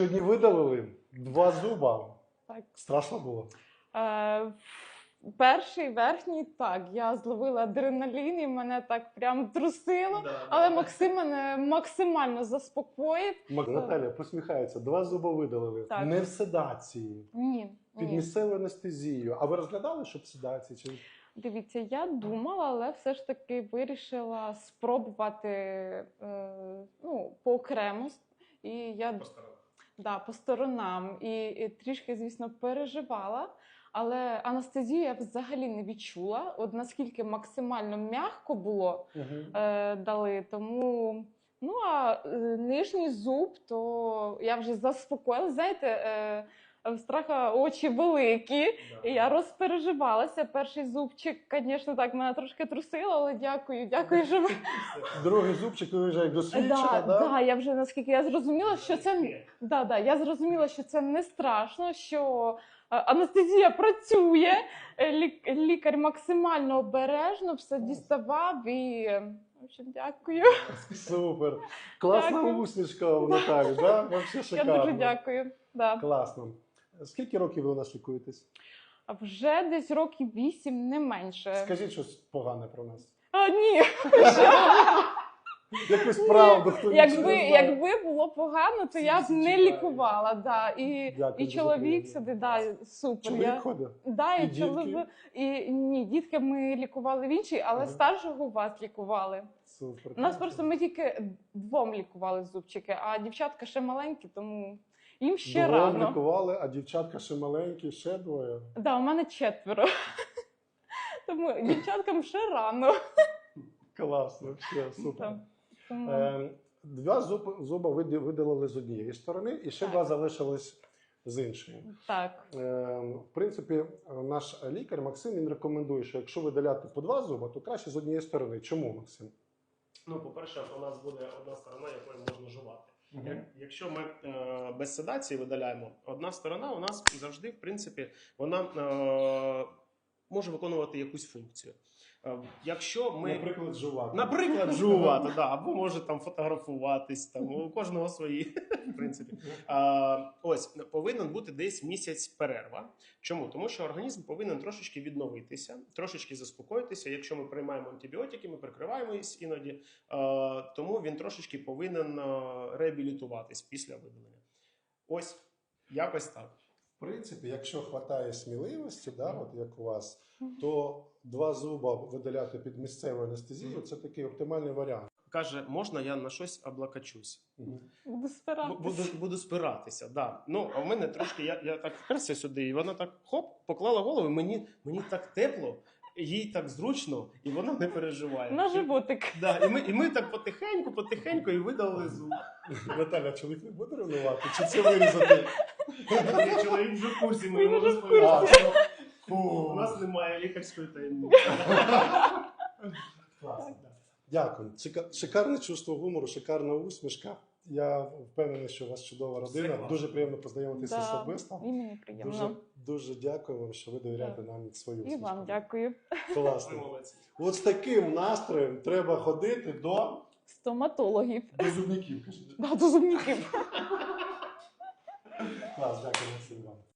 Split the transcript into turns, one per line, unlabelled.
Сьогодні видалили 2 зуба.
Так.
Страшно було?
Перший, верхній, так, я зловила адреналін і мене так прям трусило, але Максим мене максимально заспокоїв.
Наталя посміхається, 2 зуба видалили.
Так.
Не в седації,
Ні.
під місцевою анестезією. А ви розглядали, що в седації? Чи...
Дивіться, я думала, але все ж таки вирішила спробувати поокремо. І я по сторонам. І трішки, звісно, переживала. Але анестезію я взагалі не відчула. От наскільки максимально м'яко було дали. Тому, нижній зуб, то я вже заспокоїлася. Знаєте, в страха очі великі, і я розпереживалася. Перший зубчик, звісно, так мене трошки трусило, але дякую, що ви...
Другий зубчик, ви вже як досвідчена, да?
Так, я вже, наскільки я зрозуміла, що це... я зрозуміла, що це не страшно, що анестезія працює, лікар максимально обережно все діставав і... В общем, дякую.
Супер. Класна усмішка у Наталі, да? Вообще шикарно.
Я дуже дякую. Да.
Класно. Скільки років ви у нас лікуєтесь?
Вже десь років 8, не менше.
Скажіть щось погане про нас.
Ні.
Якусь правду, хто нічого не знає.
Якби було погано, то я б не лікувала. Да. І чоловік сюди, супер.
Чоловік ходить?
Да,
і
дітки? Ні, дітки ми лікували в іншій, але старшого у вас лікували.
Супер.
У нас просто ми тільки 2 лікували зубчики, а дівчатка ще маленькі, тому їм ще
2
рано.
лікували, а дівчатка ще маленькі, ще 2.
Да, у мене 4. Тому дівчаткам ще рано.
Класно, все, супер.
Тому...
2 зуба видалили з однієї сторони, і ще 2 залишились з іншої.
Так.
В принципі, наш лікар Максим, він рекомендує, що якщо видаляти по 2 зуба, то краще з однієї сторони. Чому, Максим?
По-перше, у нас буде одна сторона, якою можна жувати. Якщо ми без седації видаляємо, одна сторона у нас завжди, в принципі, вона може виконувати якусь функцію. Якщо ми... Наприклад, жувати, да, або може там фотографуватись, там, у кожного свої, в принципі. Ось, повинен бути десь місяць перерва. Чому? Тому що організм повинен трошечки відновитися, трошечки заспокоїтися. Якщо ми приймаємо антибіотики, ми прикриваємось іноді, тому він трошечки повинен реабілітуватись після видалення. Ось, якось так.
В принципі, якщо вистачає сміливості, от як у вас, то 2 зуба видаляти під місцевою анестезією – це такий оптимальний варіант.
Каже, можна я на щось облокочусь?
Буду спиратися.
Буду спиратися, да. А в мене трошки, я так вперся сюди, і вона так, поклала голову, мені так тепло, їй так зручно, і вона не переживає.
На животик.
Да, і ми так потихеньку і видали зуб.
Наталя, чоловік не буде ревнувати? Чи це вирізати?
Чоловік вже в курсі, ми йому розповіли. У нас немає лікарської таємниці.
Класно. Дякую. Шикарне чувство гумору, шикарна усмішка. Я впевнений, що у вас чудова родина. Дуже приємно познайомитися особисто.
І мені приємно.
Дуже дякую вам, що ви довіряєте нам свою усмішку.
І вам дякую.
Класно. От з таким настроєм треба ходити до...
Стоматологів.
До зубників.
До зубників.
Клас, дякую, Максим, вам.